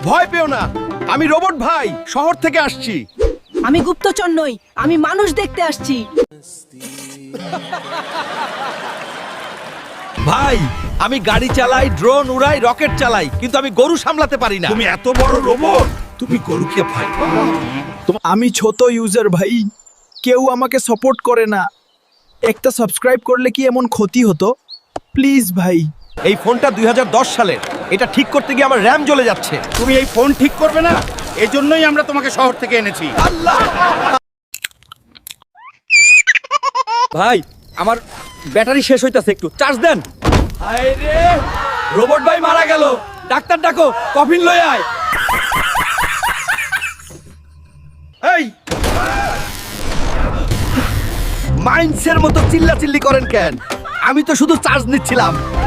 ভয় পেও না, আমি রোবট ভাই, শহর থেকে আসছি। আমি গুপ্তচর নই, আমি মানুষ দেখতে আসছি। ভাই, আমি গাড়ি চালাই, ড্রোন উড়াই, রকেট চালাই, কিন্তু আমি গরু সামলাতে পারি না। তুমি এত বড় রোবট, তুমি গরুকে ভয় পাও? আমি ছোট ইউজার ভাই, কেউ আমাকে সাপোর্ট করে না। একটা সাবস্ক্রাইব করলে কি এমন ক্ষতি হতো? প্লিজ ভাই। এই ফোনটা 2010 সালের, এটা ঠিক করতে গিয়ে আমার র্যাম জ্বলে যাচ্ছে। তুমি এই ফোন ঠিক করবে না, এজন্যই আমরা তোমাকে শহর থেকে এনেছি। ভাই, আমার ব্যাটারি শেষ হইতাছে, একটু চার্জ দেন। হায় রে, রোবট ভাই মারা গেল। ডাক্তার ডাকো, কফিন লই আয়। এই মাইন্সের মতো চিল্লাচিল্লি করেন কেন? আমি তো শুধু চার্জ নিচ্ছিলাম।